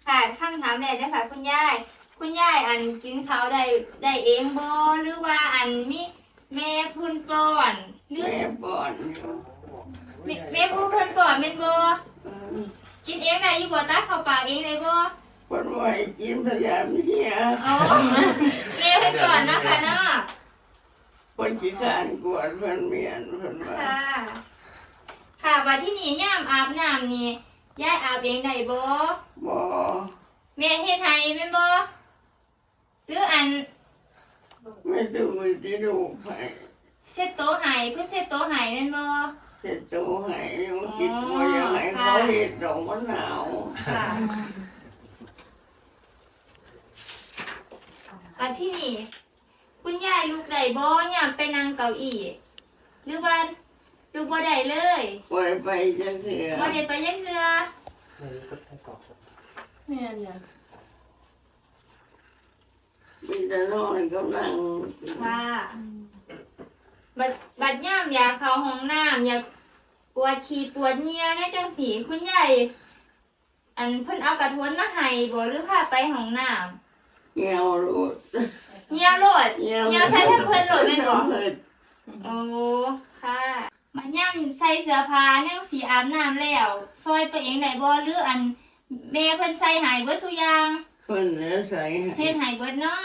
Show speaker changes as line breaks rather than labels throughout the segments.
ค่ะคำถามแรกนะคะคุณยายอันกินข้าวได้เองบ่หรือว่าอันมีแม่พุ่นป้อนหรือ
แม่ป้อนอยู่
แม่ผู้เพิ่นป้อนเป็นบ่
เออ
กินเองได้อยู่บ่ตักเข้าปากเองได้บ่
คนไหวกินพยายามเฮีย
อ๋อแม่เพิ่นก่อนนะคะเนาะ
คนขี้ขานกวดเพิ่นเมียนเพิ่นว่า
ค่ะค่ะบัดที่นี่ยามอาบน้ำนี่ยายอาบเองได้บ่
บ่
แม่เฮ็ดให้แม่นบ่หรืออัน
ไม่ดูที่ดูไป
เช็ดโต๊ะให้เพิ่นเช็ดโต๊ะให้แม่นบ่
เสร็จตัวให้ยังคิดว่ายังไงเขาเห็ดดอกมะนาว
ค่ะอันที่นี่คุณยายลูกได้บ่ยามไปนั่งเก้าอี้หรือว่าลูกบ่ได้เลย
ปล่อยไปจะเถื่อ
บ่ได้ไปจักเทื่อ
แม่เนี่ย
มีแต่นอนกำลัง
ค่ะบัดยามอยากเข้าห้องน้ำอยากปวดฉี่ปวดเหงื่อในจังสีคุณยายอันเพิ่นเอากระทวนมาให้บ่หรือพาไปห้องน้ำ
เงี้ยวรูด
เหงื่อโลดเหงื่อใส่แพมเพิร์สโลดแม่นบ่
เพิ่น
โอ้ค่ะบัดยามใส่เสื้อผ้ายังสิอาบน้ำแล้วซอยตัวเองได้บ่หรืออันแม่เพิ่นใส่ให้เบิดทุกอย่าง
เพิ่นแล้วใส่
เฮ็ดให้เบิดเนาะ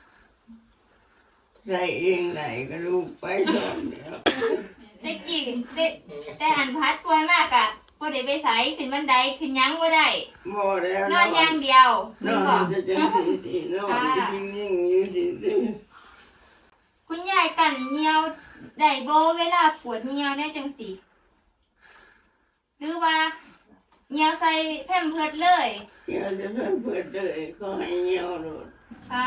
ใส่เองไหนก็ลูกไปสอนเดียว
ได้กี่แต่อันพัดป่วยมากอะบ่ได้ไปไสขึ้นบันไดขึ้นหยังบ่ได้
บ่แล้ว
นอนอย่างเดียว
น
ไม่
อน
บอก
จะจังสีดีนอนนิ่งๆอยู่สิ
คุณยายกันเหนียวได้บ่เวลาปวดเหนียวได้จังสิหรือว่าเหนียวใส่แพมเพิร์สเลย
เดี๋ยวจะเพิ่นเปิดเลยเขาให้เงี้ยวรูด
ค่ะ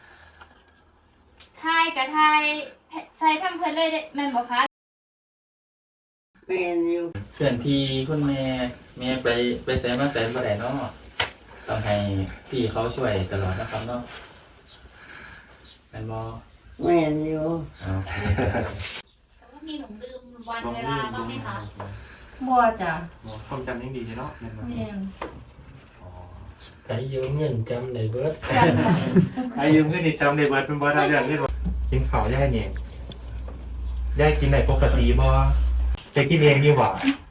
ทายกับทายใส่แพมเพิร์สเลยได้แม่นบ่คะ
แม่นอยู่
เพื่อนที่คุณแม่ไปแซมมาแซมบ่ได้เนาะต้องให้พี่เขาช่วยตลอดนะครับเนาะแม่นบ่
แม่นอยู่
อ๋อ
มีหลงลืมวันเวลาบ้างไหมคะ
บัวจ้ะ
ความจำยังดีใช่เนาะแม่นบ่
แม่น
ใช้ยืมเงินจำได้เบิด
อายุเพื่อนนี่จำได้เบิดเป็นบ่ได้เรื่องเรื่องกินข้าวย่ายเนี่ยย่ายกินได้ปกติบ่จะกินเองนี่หว่า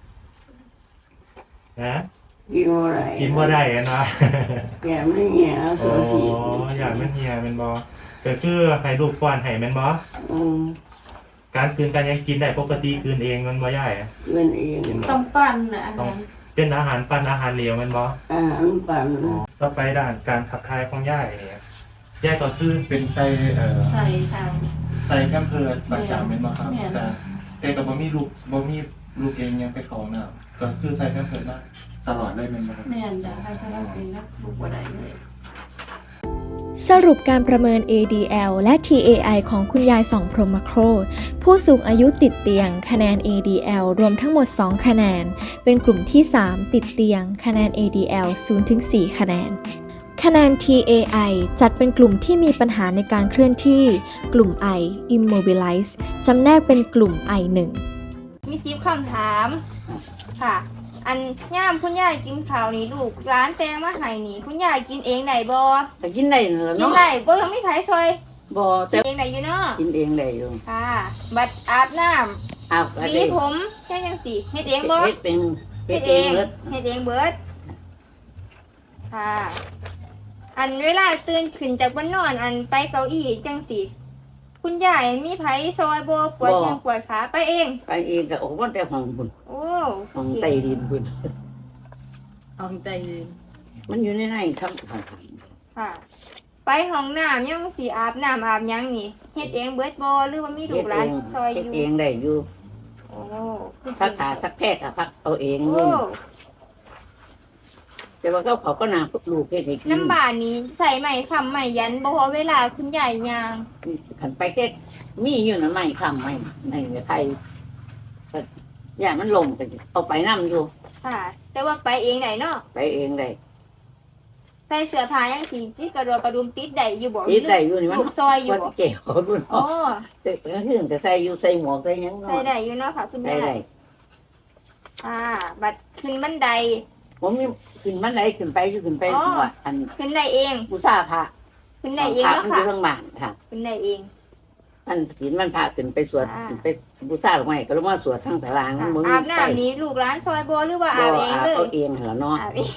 ฮะ
กินบ่ได้
กินบ่ได้อะนะ
แกไม่เงี้ย
โอ้
สุดที
อยากมันเฮียแม่นบ่ก็คือให้ลูกป้อนให้แม่นบ่
อืม
การคืนการยังกินได้ปกติคืนเองมันบ่ย่ายอะ
เกินเอง
ต้องปั้นนะอันนั้น
เป็นอาหารปั้นอาหารเหลวแม่นบ่
อาหารปั่น
ต่อไปด้านการขับถ่ายของย่ายเนี่ยย่ายก็คือเป็นไส้
ใส่ใส่
ใส่แพมเพิร์สประจำเป็นบ่ครับ
แม่น
แต่ก็บ่มีลูกเองยังไปเข้าห้องน้ำก็คือใส่แพมเพิร์สมาตลอดเลยแม่นบ่ครับ
แม่นจ้ะให้พนักเป็นนักบุกบัวได้เลย
สรุปการประเมิน ADL และ TAI ของคุณยายสองพรหมโคตรผู้สูงอายุติดเตียงคะแนน ADL รวมทั้งหมด 2 คะแนน เป็นกลุ่มที่ 3 ติดเตียงคะแนน ADL 0-4 คะแนน คะแนน TAI จัดเป็นกลุ่มที่มีปัญหาในการเคลื่อนที่ กลุ่ม I Immobilize จำแนกเป็นกลุ่ม I1
มี10คำถามค่ะ อันย่ามคุณยายกินข้าวนี่ลูกร้านแตงมาให้นี่คุณยายกินเองได้บ่
แต่กินได้นั่นแหละ
กิน
เนาะ
ได้บ่ยังมีไผซอย
บ่แต่
กินเองได้อยู่เนาะ
กินเองได้อยู่
ค่ะ บัดอาบน้ำ
อ้าวก็
หวี
ได้
ผมแค่จังสิเฮ็ดเองบ่
เฮ็ดเป็นเฮ็ดเองเบิด
เฮ็ดเองเบิดค่ะ อันเวลาตื่นขึ้นจากบนนอนอันไปเก้าอี้จังสิคุณยายมีไผซอยบ่ปวดแข้งปวดขาไปเอง
ไปเองก็ออกมาแต่ห้องพุ่น
โอ้
ห้องใต้ดินพุ่น
เอาใจยืน
มันอยู่ในข้างข้าง
ค่ะ ไปห้องน้ำยังสิอาบน้ำอาบหยังนี่เฮ็ดเองเบิดบ่หรือว่ามีลู
เฮ็ด
กห
เอ
ลาน
ง
ซอยอ
เฮ็ด
ยู่
เองได้อยู่
โอ้
สักขาสักแทกก็พักเอาเอง
โอ้
นู่นแต่ว่าเขาก็นางลูกเฮ็ดให้กิน
น้ำบานนี้ใส่ไหมคำไหมยันบ่พอเวลาคุณยายย่าง
ขันไปแค่มีอยู่นั่นไม่ค้ำไม่ในไผก็อย่างมันลงก็เอาไปนํอยู่
ค่ะ แต่ว่าไปเองได้เนาะ
ไปเองได้
ใส่เสื้อผ้ายังสิที่กระโดดกระดุมติดได้อยู่บ่
คิดได้อยู่นี่มัน
ลูกซอยอยู่
ว่า
บ่
สิแก้วดู
โอ้
เนาะแต่ก็คือก็ใส่อยู่ใส่หมวกใส่หยัง
ใส่
เนาะ
ได้อยู่เนาะค่ะคุณ
ได้
ยาย
ได้
บัดขึ้นบันได
ผมมีขึ้นมันไหนขึ้นไปอยู่ขึ้นไปว่าอัน
ขึ้นได้เอง
บูชาพระ
ขึ้นได้เอง
พระ
แล้ว
มันอ
ค่ะ
ยู่ข้างบ้านค่ะ
ขึ้นได้เอง
มันศีลมันพระขึ้นไปสวด
อ่า
ขึ้นไปบูชาลงมาก็ลงมาสวดทั้งตารางมันบ่มี
อาบ
ไฟ
น้ำนี้ลูกร้านซอยโบหรือว่า
บ่
อาบเอง
อาบ
เลย
เอาเองเหรอเนาะ
อาบเอง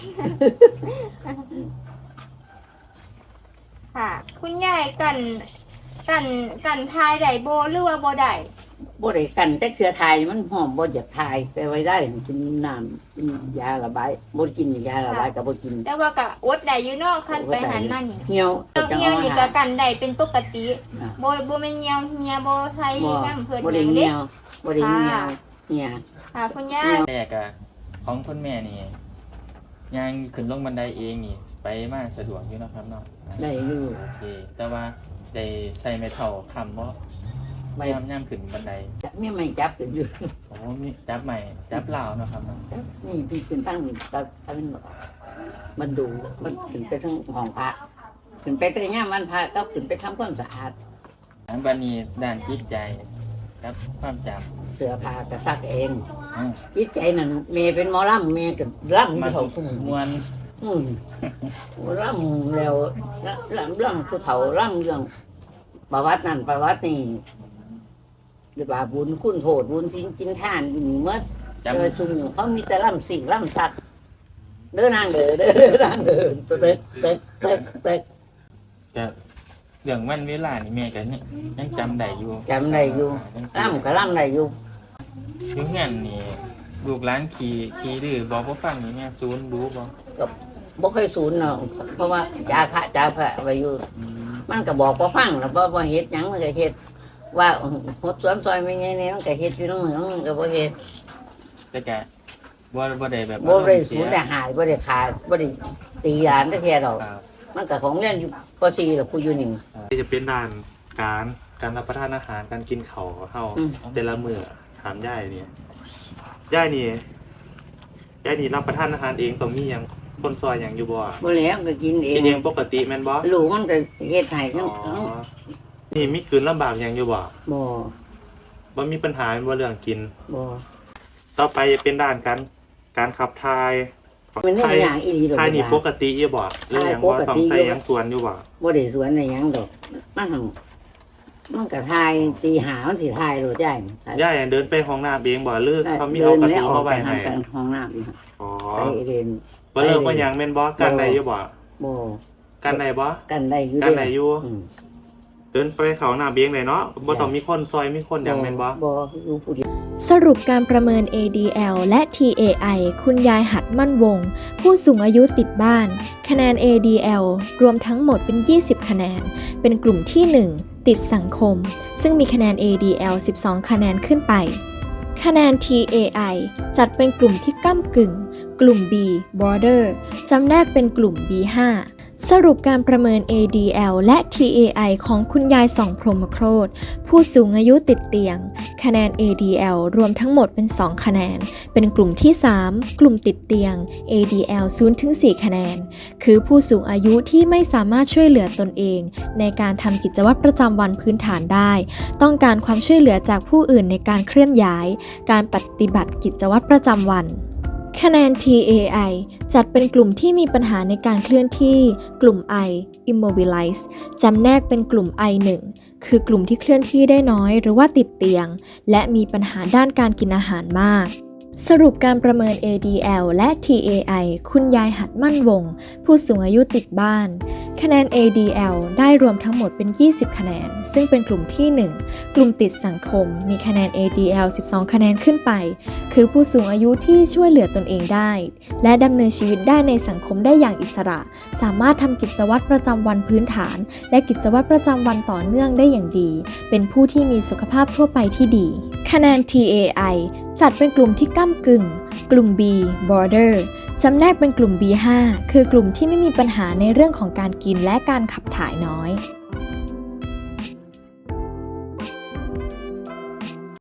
ค่ะ คุณยายกันทายได้โบหรือว่าโบได้
บ่ได้กันแต่เครือไทยมันหอมบ่อยากทายไปไว้ได้กินน้ำกินยาระบายบ่กินยาระบายก็บ่กิน
แต่ว่าก็อดได้อยู่เนอกคันไปหันมานี่
เหี่ยว
เหี่ยวนี่ก็กันได้เป็นปกติ
อ่า
โบแม่นเหี่ยวเหี่ยโบไทย
บ่
น้ำเพิ่น
บ่
ห
ได้
ยัง
เหี่
เด้
ยวบ่ได้เหี่ยวเหี่ย
ค่ะคุณย่า
แรกอะของคุณแม่นี่ย่างขึ้นลงบันไดเองนี่ ไปมาสะดวกอยู่เนาะครับเนาะ
ได้อยู่
โอเค แต่ว่าได้ใส่ไม้เท่าคำบ่
ไม่
ย่ำขึ้นบันได
มีไม่จับกันอยู่
โอ้มีจับใหม่จับเหล่าเนาะครับเนาะ
นี่ที่ขึ้นตั้งตามันดูมันขึ้นไปทั้งห้องพระขึ้นไปแต่ย่ามวันพระก็ขึ้นไปทำความสะอาด
อันบันนี้ด้านจิตใจครับความจ
เสื้อผ้าก็ซักเอง
ำอืม
จิตใจนั่นเมย์เป็นหมอลำเมย์ก็ล่ำ
มั
ผู้
น
เฒ่าผู้
มวน
ล่ำแล้วล่ำเรื่องผู้เฒ่าล่ำเรื่องประวัตินั่นประวัตินี่หรือว่าบุญคุณโทษบุญสินกินท่านอยู่นี่เมื่อ
จำ
เจอซุ่มเขามีแต่ล่ำสิ่งล่ำสักเด้อนางเด้อเด้อนางเด้อเต๊กเต๊กเต๊กเต๊ก
จะเรื่องวันเวลานี่แม่ก็ยังจำได้อยู่
จำได้อยู่ ล่ำก็ล่ำได้อยู่
ถึงงั้นนี่ลูกหลานขี่ดื้อบอกบ่ฟังนี่แม่ซูนรู้บ่
บ่ค่อยสูญเนาะเพราะว่าจ่าพระไว้อยู่ มันก็บอกบ่ฟังแล้วบ่เฮ็ดหยังมันก็เฮ็ดว่าหดสวนซอยไม่ไงเนี่ยมันก็เฮ็ดอยู่นำเมืองมันก็บ่เฮ็ด
แต่ก็บ่ได้แบบ
บ่ได้สูญได้หายบ่ได้ขาดบ่ได้ตีหลานจักเที่ยดอก
ครับ
มันก็ของเรียนอยู่ป .4 แล้วผู้อยู่นี่
ที่จะเป็นด้านการรับประทานอาหารการกินข้าวเฮา
อืม
แต่ละมื้อถามยายนี่ยายนี่รับประทานอาหารเองต้องมีหยังคนซอยหยังอยู่บ่
บ่แล้วก็กินเอ
กิ
ง
นเองปกติแม่นบ่
ลูกมันก็เฮ็ดให้
อ๋
ทั้ง
อนี่มีคืนลำบากหยังอยู่บ่
บ่
บ่มีปัญหาบ่เรื่องกิน
บ่
ต่อไปจะเป็นด้านการขับถ่าย
มันได้อย่างอีหลีดอก
ถ่ายนี่ปกติอยู่บ่หรือหยังบ่
ถ่ายปกติ
ต้องใส่หยังส่วนอยู่บ่
บ่ได้สวนได้หยังดอกมันหั่นมันก็ทายตีหามันสิทายโลดได้
ยายเดินไปห้องน้ำเองบ่หรือเขามี
เดิ
เอา
น
กระ
แล้ว
ตู
ออก
มา
ไป
ไว้
ทา
ให้
งกลางห้องน้ำนี่
อ๋อ
ไปเรียน
บ่เลิกบ่หยังแม่นบ่กันได้อยู่บ่
บ่
กันได้บ่
กันได้อยู่
กันได้อยู่
อืม
เดินไปเขาหน้าเบียงเลยเนาะบ่ต้องมีคนซอยมีคนหยังแม่นบ่
บ่อยู่ผู้เดียว
สรุปการประเมิน ADL และ TAI คุณยายหัดมั่นวง ผู้สูงอายุติดบ้าน คะแนน ADL รวมทั้งหมดเป็น 20 คะแนน เป็นกลุ่มที่ 1 ติดสังคม ซึ่งมีคะแนน ADL 12 คะแนนขึ้นไป คะแนน TAI จัดเป็นกลุ่มที่ก้ำกึ่ง กลุ่ม B Border จำแนกเป็นกลุ่ม B5 สรุปการประเมิน ADL และ TAI ของคุณยายส่องพรหมโคตรผู้สูงอายุติดเตียง คะแนน ADL รวมทั้งหมดเป็น 2 คะแนน เป็นกลุ่มที่ 3 กลุ่มติดเตียง ADL 0-4 คะแนน คือผู้สูงอายุที่ไม่สามารถช่วยเหลือตนเอง ในการทำกิจวัตรประจำวันพื้นฐานได้ ต้องการความช่วยเหลือจากผู้อื่นในการเคลื่อนย้าย การปฏิบัติกิจวัตรประจำวัน คะแนน TAI จัดเป็นกลุ่มที่มีปัญหาในการเคลื่อนที่ กลุ่ม I Immobilize จำแนกเป็นกลุ่ม I1 คือกลุ่มที่เคลื่อนที่ได้น้อยหรือว่าติดเตียง และมีปัญหาด้านการกินอาหารมาก สรุปการประเมิน ADL และ TAI คุณยายหัดมั่นวง ผู้สูงอายุติดบ้าน คะแนน ADL ได้รวมทั้งหมดเป็น 20 คะแนน ซึ่งเป็นกลุ่มที่ 1 กลุ่มติดสังคม มีคะแนน ADL 12 คะแนนขึ้นไป คือผู้สูงอายุที่ช่วยเหลือตนเองได้ และดำเนินชีวิตได้ในสังคมได้อย่างอิสระ สามารถทำกิจวัตรประจำวันพื้นฐาน และกิจวัตรประจำวันต่อเนื่องได้อย่างดี เป็นผู้ที่มีสุขภาพทั่วไปที่ดี คะแนน TAI จัดเป็นกลุ่มที่ก้ำกึ่ง กลุ่ม B Border จำแนกเป็นกลุ่ม B5 คือกลุ่มที่ไม่มีปัญหาในเรื่องของการกินและการขับถ่ายน้อย